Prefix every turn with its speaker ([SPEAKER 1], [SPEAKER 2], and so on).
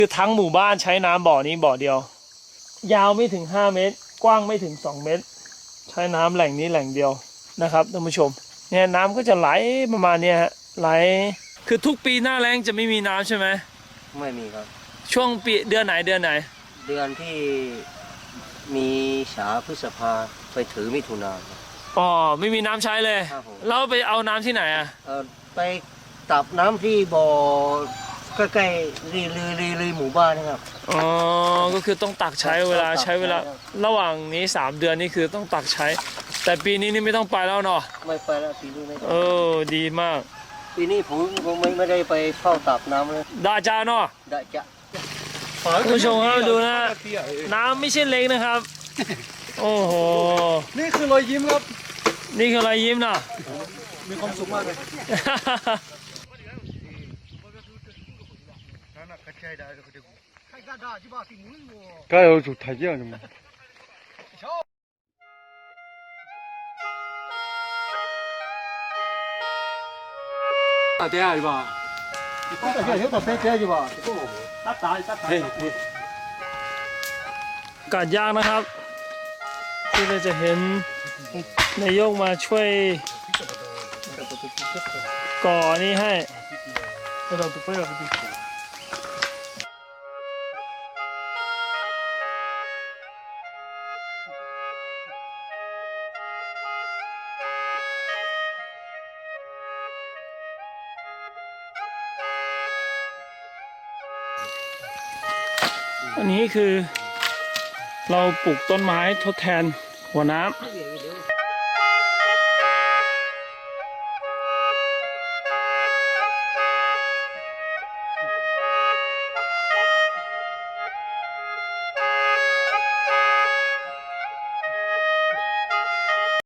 [SPEAKER 1] คือทั้งหมู่บ้านใช้น้ำบ่อนี้บ่อเดียวยาวไม่ถึง5 เมตรกว้างไม่ถึง2 เมตรใช้น้ำแหล่งนี้แหล่งเดียวนะครับท่านผู้ชมเนี่ยน้ำก็จะไหลประมาณนี้ฮะไหลคือทุกปีหน้าแล้งจะไม่มีน้ำใช่ไหม
[SPEAKER 2] ไม่มีครับ
[SPEAKER 1] ช่วงปีเดือนไหนเดือน
[SPEAKER 2] ที่มีษาพฤษภาไปถือมิถุนา
[SPEAKER 1] อ๋อไม่มีน้ำใช้เลยแล้วไปเอาน้ำที่ไหนอ่ะ
[SPEAKER 2] ไปตับน้ำที่บ่อใกล้ๆรีหมู่บ้านนะครับ
[SPEAKER 1] อ๋อก็คือต้องตักใช้เวลาระหว่างนี้3 เดือนนี่คือต้องตักใช้แต่ปีนี้นี่ไม่ต้องไปแล้วเนาะ
[SPEAKER 2] ไม่ไปแล้วปีนี้ไม่
[SPEAKER 1] ดีมาก
[SPEAKER 2] ปีนี้ผมไม่ได้ไปเฝ้าตับน้ำเลย
[SPEAKER 1] ดาจาเนาะ
[SPEAKER 2] ได้จ้ะ
[SPEAKER 1] คุณผู้ชมครับดูนะน้ำไม่ใช่เล็กนะครับโอ้โห
[SPEAKER 3] นี่คือรอยยิ้มครับ
[SPEAKER 1] นี่คือรอยยิ้มนะ
[SPEAKER 3] มีความสุขมากเลยก็有主台阶的嘛。打点下去吧。有打点点去吧。
[SPEAKER 1] กัดยากนะครับที่เราจะเห็นนายกมาช่วยก่อนี่ให้อันนี้คือเราปลูกต้นไม้ทดแทนหัวน้ำ